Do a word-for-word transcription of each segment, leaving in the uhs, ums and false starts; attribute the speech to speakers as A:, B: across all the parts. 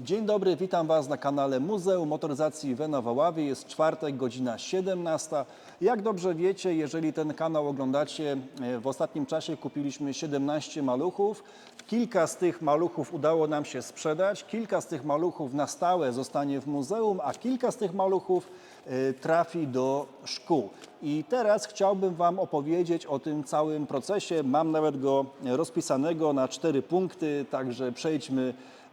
A: Dzień dobry, witam Was na kanale Muzeum Motoryzacji Wena w Oławie. Jest czwartek, godzina siedemnasta. Jak dobrze wiecie, jeżeli ten kanał oglądacie, w ostatnim czasie kupiliśmy siedemnaście maluchów. Kilka z tych maluchów udało nam się sprzedać, kilka z tych maluchów na stałe zostanie w muzeum, a kilka z tych maluchów trafi do szkół. I teraz chciałbym Wam opowiedzieć o tym całym procesie. Mam nawet go rozpisanego na cztery punkty, także przejdźmy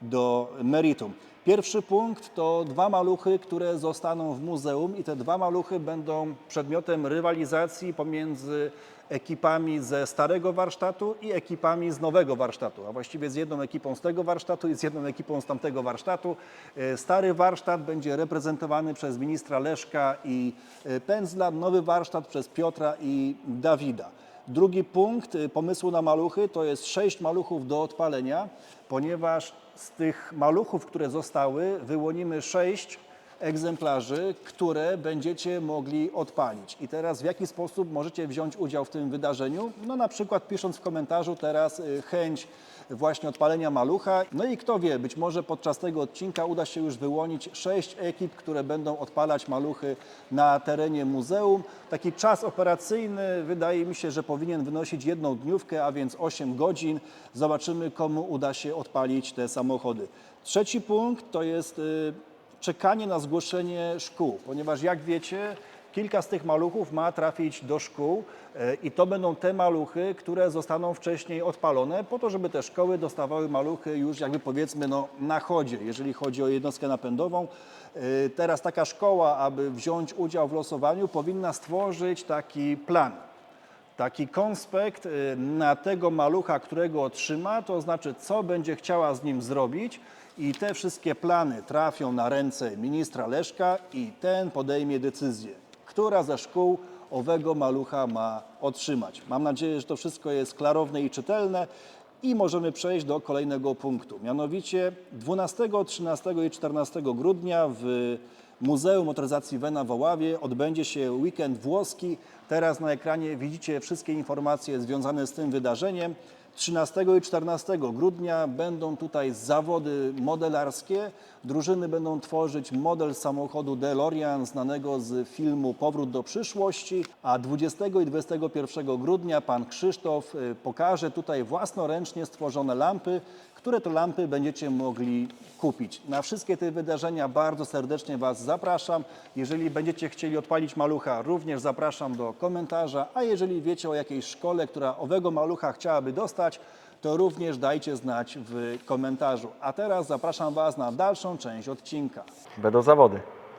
A: do meritum. Pierwszy punkt to dwa maluchy, które zostaną w muzeum i te dwa maluchy będą przedmiotem rywalizacji pomiędzy ekipami ze starego warsztatu i ekipami z nowego warsztatu, a właściwie z jedną ekipą z tego warsztatu i z jedną ekipą z tamtego warsztatu. Stary warsztat będzie reprezentowany przez ministra Leszka i Pędzla, nowy warsztat przez Piotra i Dawida. Drugi punkt pomysłu na maluchy to jest sześć maluchów do odpalenia, ponieważ z tych maluchów, które zostały, wyłonimy sześć egzemplarzy, które będziecie mogli odpalić. I teraz w jaki sposób możecie wziąć udział w tym wydarzeniu? No na przykład pisząc w komentarzu teraz chęć właśnie odpalenia malucha. No i kto wie, być może podczas tego odcinka uda się już wyłonić sześć ekip, które będą odpalać maluchy na terenie muzeum. Taki czas operacyjny wydaje mi się, że powinien wynosić jedną dniówkę, a więc osiem godzin. Zobaczymy, komu uda się odpalić te samochody. Trzeci punkt to jest czekanie na zgłoszenie szkół, ponieważ jak wiecie, kilka z tych maluchów ma trafić do szkół i to będą te maluchy, które zostaną wcześniej odpalone po to, żeby te szkoły dostawały maluchy już jakby powiedzmy no, na chodzie, jeżeli chodzi o jednostkę napędową. Teraz taka szkoła, aby wziąć udział w losowaniu, powinna stworzyć taki plan. Taki konspekt na tego malucha, którego otrzyma, to znaczy co będzie chciała z nim zrobić i te wszystkie plany trafią na ręce ministra Leszka i ten podejmie decyzję, która ze szkół owego malucha ma otrzymać. Mam nadzieję, że to wszystko jest klarowne i czytelne i możemy przejść do kolejnego punktu. Mianowicie dwunastego, trzynastego i czternastego grudnia w Muzeum Motoryzacji Wena w Oławie odbędzie się weekend włoski. Teraz na ekranie widzicie wszystkie informacje związane z tym wydarzeniem. trzynastego i czternastego grudnia będą tutaj zawody modelarskie. Drużyny będą tworzyć model samochodu DeLorean znanego z filmu Powrót do przyszłości, a dwudziestego i dwudziestego pierwszego grudnia pan Krzysztof pokaże tutaj własnoręcznie stworzone lampy, które to lampy będziecie mogli kupić. Na wszystkie te wydarzenia bardzo serdecznie Was zapraszam. Jeżeli będziecie chcieli odpalić malucha, również zapraszam do komentarza, a jeżeli wiecie o jakiejś szkole, która owego malucha chciałaby dostać, to również dajcie znać w komentarzu. A teraz zapraszam Was na dalszą część odcinka.
B: Będą zawody.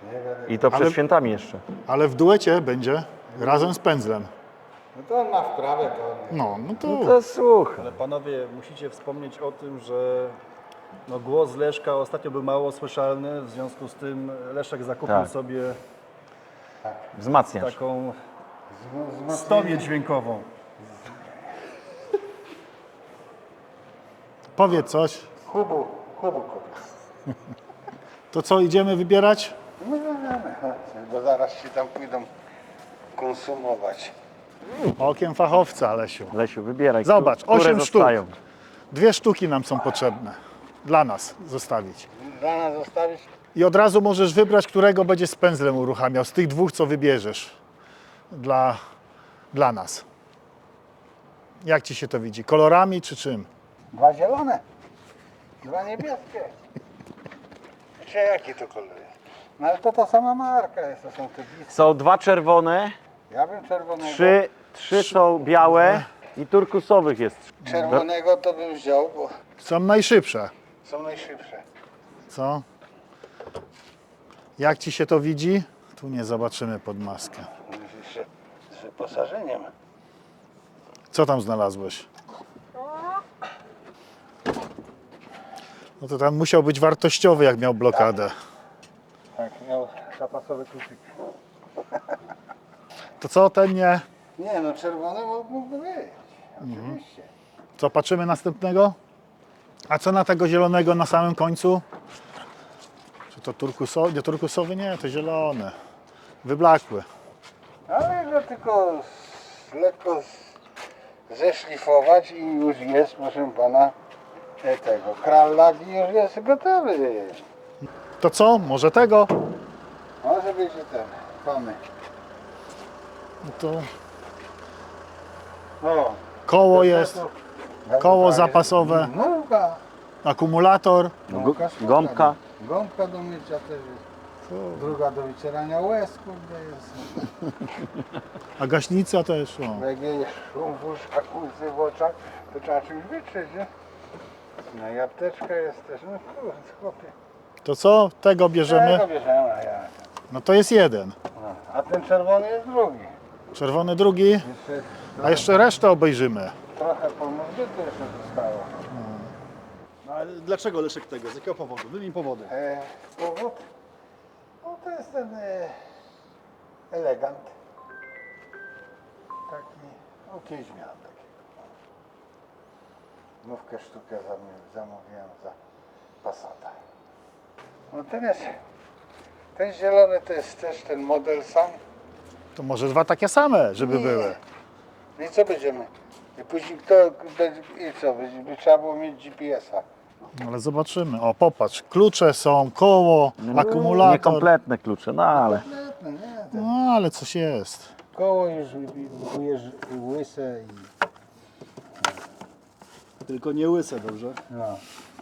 B: I to przed
C: Ale-
B: świętami jeszcze.
C: Ale w duecie będzie razem z pędzlem.
D: No to on ma wprawę, to
C: No, no to,
B: No to słuchaj.
A: Ale panowie, musicie wspomnieć o tym, że no, głos Leszka ostatnio był mało słyszalny, w związku z tym Leszek zakupił
B: Tak.
A: sobie
B: Wzmacniasz.
A: taką
D: z-
A: stomię dźwiękową.
C: powiedz coś.
D: Hubu, hubu kupił.
C: To co, idziemy wybierać?
D: No, no, no, chodźcie, bo zaraz się tam pójdą konsumować.
C: Okiem fachowca, Lesiu.
B: Lesiu, wybieraj.
C: Zobacz,
B: które
C: osiem sztuk.
B: zostają.
C: Dwie sztuki nam są potrzebne. Dla nas zostawić.
D: Dla nas zostawić?
C: I od razu możesz wybrać, którego będzie z pędzlem uruchamiał. Z tych dwóch, co wybierzesz. Dla, dla nas. Jak Ci się to widzi? Kolorami czy czym?
D: Dwa zielone, dwa niebieskie. Czy jaki to kolor jest? No ale to ta sama marka jest, to są te bliskie.
B: Są dwa czerwone,
D: Ja bym czerwonego,
B: trzy, trzy są białe i turkusowych jest.
D: czerwonego to bym wziął, bo
C: Są najszybsze.
D: są najszybsze.
C: Co? Jak Ci się to widzi? Tu nie zobaczymy pod maskę.
D: Myślisz, że z wyposażeniem.
C: Co tam znalazłeś? No to tam musiał być wartościowy, jak miał blokadę.
D: Tak, miał zapasowy kluczyk.
C: To co, ten nie?
D: Nie no, czerwony mógłby być, oczywiście.
C: Co, patrzymy następnego? A co na tego zielonego na samym końcu? Czy to turkusowy? Nie, turkusowy nie, to zielony. Wyblakły.
D: Ale że tylko z, lekko z, zeszlifować i już jest, proszę pana, e, tego krallagi już jest gotowy.
C: To co? Może tego?
D: Może być i ten, mamy.
C: No to
D: O,
C: koło jest, koło zapasowe,
D: Gąbka.
C: akumulator.
D: Gąbka, sztuka,
B: gąbka.
D: no. Gąbka do mycia też jest. Druga do wycierania łez, kurde jest.
C: A gaśnica też. O.
D: Jak jest szum w uszkach, łzy w oczach, to trzeba czymś wytrzeć, nie? No i apteczka jest też, no kurde, chłopie.
C: To co? Tego bierzemy?
D: Tego bierzemy, a ja.
C: No to jest jeden.
D: No, a ten czerwony jest drugi.
C: Czerwony drugi,
D: Jeszcze
C: a jeszcze resztę obejrzymy.
D: trochę pomóżbity jeszcze zostało.
A: No, ale dlaczego Leszek tego? Z jakiego powodu? Wymień powody.
D: E, powód? No to jest ten e, elegant. Taki, no kiedyś miałem takiego. Nówkę sztukę zam- zamówiłem za Passata. No ten jest, ten zielony to jest też ten model sam.
C: To może dwa takie same, żeby
D: Nie.
C: były.
D: No i co będziemy? I później kto będzie, i co? Będzie, by trzeba było mieć G P S a.
C: No ale zobaczymy. O, popatrz, klucze są, koło, akumulator.
B: Niekompletne klucze, no ale
D: No, nie, ten
C: No ale coś jest.
D: koło już łyż- łyse i
A: Tylko nie łyse, dobrze?
D: no.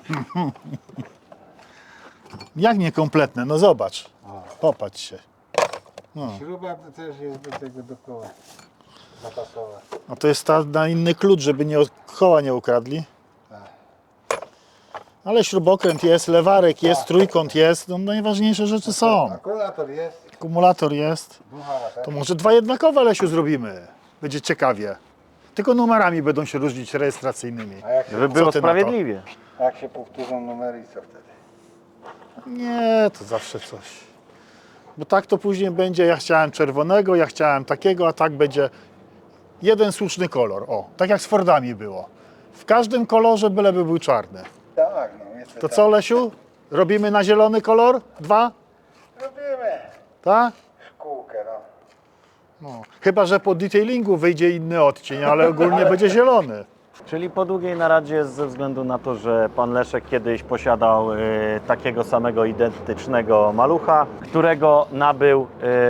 C: Jak niekompletne? No zobacz. Popatrz się.
D: Śruba to też jest do tego do koła zapasowa.
C: No to jest ta, na inny klucz, żeby nie, koła nie ukradli.
D: Tak.
C: Ale śrubokręt jest, lewarek jest, trójkąt jest. No najważniejsze rzeczy są.
D: Akumulator jest,
C: Akumulator jest.
D: buchara też.
C: To może dwa jednakowe, Lesiu, zrobimy. Będzie ciekawie. Tylko numerami będą się różnić rejestracyjnymi.
D: A jak się,
B: żeby było
C: ty na to?
B: sprawiedliwie.
D: jak się powtórzą numery i co wtedy?
C: Nie, to zawsze coś. Bo tak to później będzie, ja chciałem czerwonego, ja chciałem takiego, a tak będzie jeden słuszny kolor. O, tak jak z Fordami było. W każdym kolorze byleby był czarny.
D: Tak, no jest
C: To co, Lesiu? Robimy na zielony kolor? Dwa?
D: Robimy
C: Tak?
D: szkółkę, no.
C: No. Chyba że po detailingu wyjdzie inny odcień, ale ogólnie będzie zielony.
B: Czyli po długiej naradzie ze względu na to, że pan Leszek kiedyś posiadał y, takiego samego identycznego malucha, którego nabył y,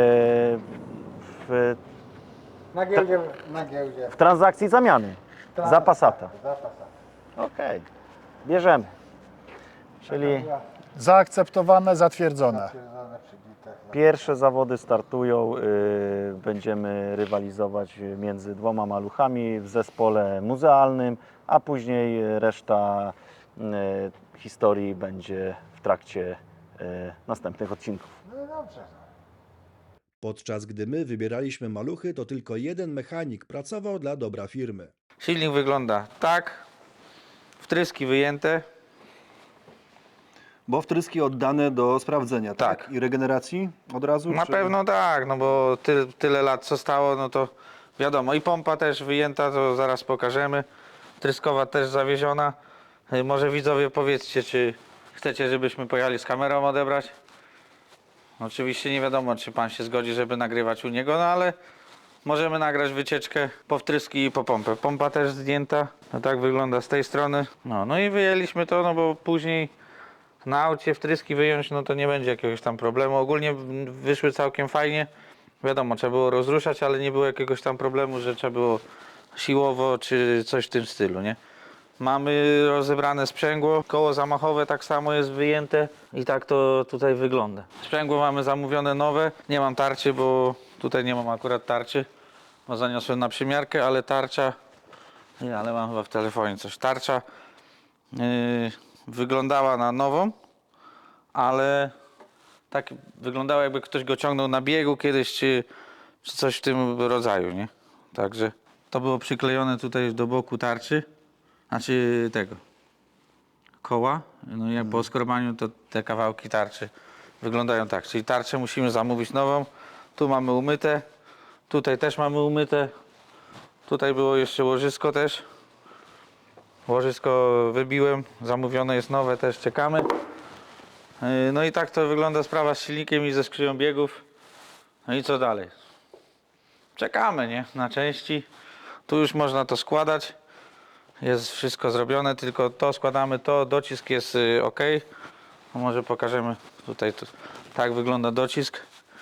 B: w,
D: Na giełdzie, na giełdzie.
B: w transakcji zamiany za Passata.
D: Za Passata.
B: Okej, bierzemy. Czyli
C: Zaakceptowane, zatwierdzone.
D: Stwierdzone przy bitach.
B: pierwsze zawody startują, y, będziemy rywalizować między dwoma maluchami w zespole muzealnym, a później reszta y, historii będzie w trakcie y, następnych odcinków.
D: No dobrze.
E: Podczas gdy my wybieraliśmy maluchy, to tylko jeden mechanik pracował dla dobra firmy.
F: Silnik wygląda tak, wtryski wyjęte,
A: Bo wtryski oddane do sprawdzenia, tak?
F: Tak.
A: I regeneracji od razu?
F: na
A: czy-
F: pewno tak, no bo ty, tyle lat co stało, no to wiadomo. I pompa też wyjęta, to zaraz pokażemy. Tryskowa też zawieziona. Y, Może widzowie powiedzcie, czy chcecie, żebyśmy pojechali z kamerą odebrać? Oczywiście nie wiadomo, czy pan się zgodzi, żeby nagrywać u niego, no ale możemy nagrać wycieczkę po wtryski i po pompę. Pompa też zdjęta, no tak wygląda z tej strony. No, no i wyjęliśmy to, no bo później na aucie wtryski wyjąć, no to nie będzie jakiegoś tam problemu. Ogólnie wyszły całkiem fajnie. Wiadomo, trzeba było rozruszać, ale nie było jakiegoś tam problemu, że trzeba było siłowo czy coś w tym stylu, nie? Mamy rozebrane sprzęgło, koło zamachowe tak samo jest wyjęte i tak to tutaj wygląda. Sprzęgło mamy zamówione nowe, nie mam tarczy, bo tutaj nie mam akurat tarczy, bo zaniosłem na przymiarkę, ale tarcza, nie, ale mam chyba w telefonie coś, tarcza yy, wyglądała na nową, ale tak wyglądało, jakby ktoś go ciągnął na biegu kiedyś, czy, czy coś w tym rodzaju, nie? Także to było przyklejone tutaj do boku tarczy, znaczy tego koła, no i jak po oskrobaniu to te kawałki tarczy wyglądają tak, czyli tarczę musimy zamówić nową, tu mamy umyte, tutaj też mamy umyte, tutaj było jeszcze łożysko też, łożysko wybiłem, zamówione jest nowe, też czekamy. Yy, No i tak to wygląda sprawa z silnikiem i ze skrzynią biegów. No i co dalej? Czekamy, nie? Na części. Tu już można to składać. jest wszystko zrobione, tylko to składamy, to docisk jest y, ok. No może pokażemy tutaj, to, tak wygląda docisk.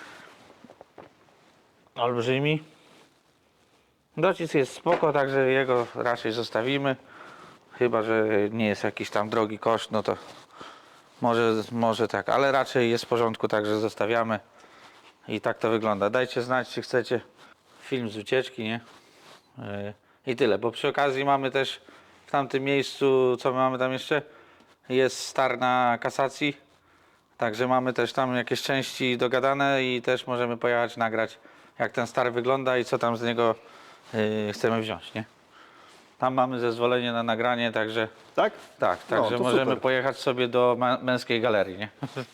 F: Olbrzymi. Docisk jest spoko, także jego raczej zostawimy. Chyba że nie jest jakiś tam drogi koszt, no to może, może tak, ale raczej jest w porządku, także zostawiamy. I tak to wygląda. Dajcie znać, czy chcecie film z ucieczki, nie? Yy, I tyle, bo przy okazji mamy też w tamtym miejscu, co my mamy tam jeszcze? Jest star na kasacji, także mamy też tam jakieś części dogadane i też możemy pojechać nagrać, jak ten star wygląda i co tam z niego yy, chcemy wziąć, nie? Tam mamy zezwolenie na nagranie, także
A: Tak?
F: tak,
A: No,
F: także
A: to
F: możemy
A: super.
F: pojechać sobie do mę- męskiej galerii, nie?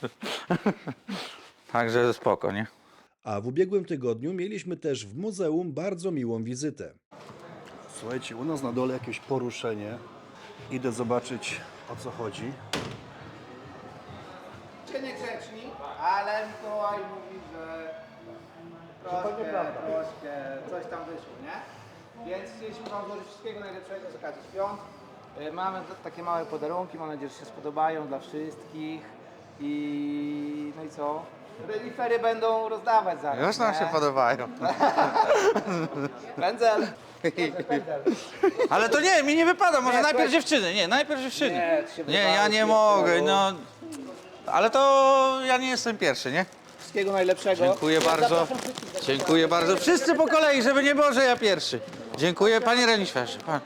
F: Także spoko, nie?
E: A w ubiegłym tygodniu mieliśmy też w muzeum bardzo miłą wizytę.
A: Słuchajcie, u nas na dole jakieś poruszenie. Idę zobaczyć, o co chodzi.
D: Niegrzeczni, ale Mikołaj mówi, że troszkę, troszkę coś tam wyszło, nie? Więc chcieliśmy Wam złożyć wszystkiego najlepszego z okazji świąt. Y, Mamy t- takie małe podarunki, mam nadzieję, że się spodobają dla wszystkich. I no i co? Renifery będą rozdawać zaraz.
F: Już nam
D: nie?
F: się podobają.
D: Pędzel.
F: Ale to nie, mi nie wypada, może
D: Nie,
F: najpierw
D: słuchaj-
F: dziewczyny, nie, najpierw dziewczyny.
D: Nie, to się
F: Nie, ja
D: wydało,
F: nie
D: się
F: mogę,
D: wydało.
F: no. Ale to ja nie jestem pierwszy, nie?
D: Wszystkiego najlepszego.
F: Dziękuję bardzo. Dziękuję bardzo. Wszyscy po kolei, żeby nie było, że ja pierwszy. Dziękuję, panie reniferze. Pan.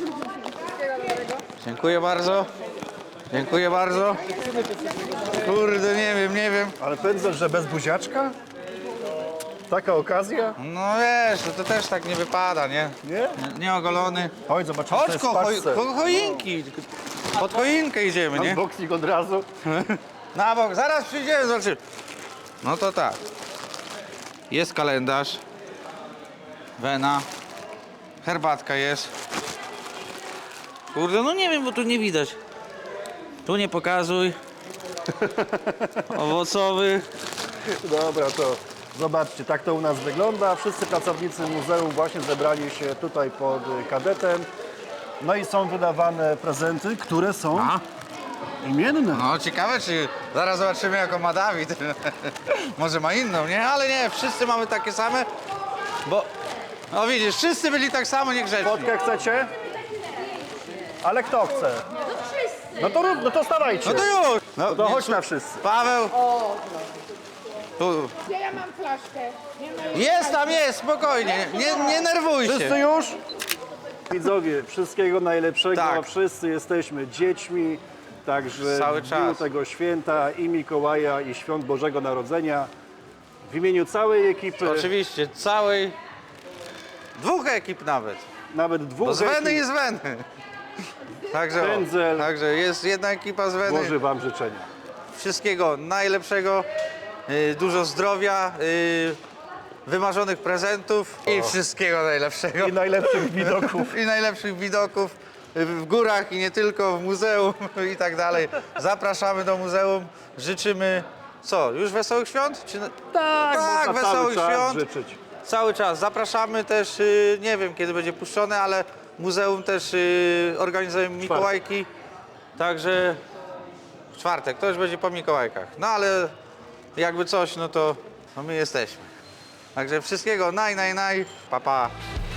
F: Dziękuję bardzo. Dziękuję bardzo. Kurde, nie wiem, nie wiem.
A: Ale pędzel, że bez buziaczka? Taka okazja?
F: No wiesz, to, to też tak nie wypada, nie?
A: Nie?
F: Nie ogolony.
A: Chodź, zobaczymy, co
F: Chodź,
A: jest
F: ko,
A: w
F: choj,
A: paczce.
F: ko, choinki. Pod choinkę idziemy, nie?
A: Unboxing od razu.
F: Na bok, zaraz przyjdziemy, zobaczymy. No to tak. Jest kalendarz. Wena. Herbatka jest. Kurde, no nie wiem, bo tu nie widać. Tu nie pokazuj. Owocowy.
A: Dobra, to zobaczcie, tak to u nas wygląda. Wszyscy pracownicy muzeum właśnie zebrali się tutaj pod kadetem. No i są wydawane prezenty, które są
F: A?
A: imienne.
F: No ciekawe, czy zaraz zobaczymy, jaką ma Dawid. Może ma inną, nie? Ale nie, wszyscy mamy takie same, bo... No widzisz, wszyscy byli tak samo niegrzeczni.
A: Fotkę chcecie? Ale kto chce? No to rób, no to stawajcie.
F: No to już! No,
A: To
F: nie,
A: chodź
F: su-
A: na wszyscy.
F: Paweł! Tu.
G: Ja, ja mam flaszkę. Nie ma
F: Jest tam, jest, spokojnie, nie, nie nerwuj
A: Wszyscy
F: się.
A: już? Widzowie, wszystkiego najlepszego.
F: Tak.
A: Wszyscy jesteśmy dziećmi. Także
F: Cały
A: w dniu
F: czas.
A: tego święta i Mikołaja, i Świąt Bożego Narodzenia w imieniu całej ekipy,
F: Oczywiście, całej... Dwóch ekip nawet.
A: nawet dwóch
F: Bo z Weny
A: ekip,
F: i z Weny. Także,
A: Pędzel.
F: o, także jest jedna ekipa z Weny.
A: złoży Wam życzenia.
F: Wszystkiego najlepszego, y, dużo zdrowia, y, wymarzonych prezentów i wszystkiego najlepszego.
A: I najlepszych widoków.
F: I najlepszych widoków y, w górach i nie tylko, w muzeum i tak dalej. Zapraszamy do muzeum, życzymy co, już wesołych świąt? Czy...
A: Tak,
F: tak,
A: można cały
F: wesołych
A: czas
F: świąt.
A: życzyć.
F: Cały czas. Zapraszamy też, y, nie wiem kiedy będzie puszczone, ale muzeum też y, organizuje Mikołajki. Także w czwartek, to już będzie po Mikołajkach. No ale jakby coś, no to no my jesteśmy. Także wszystkiego naj, naj, naj. Pa, pa.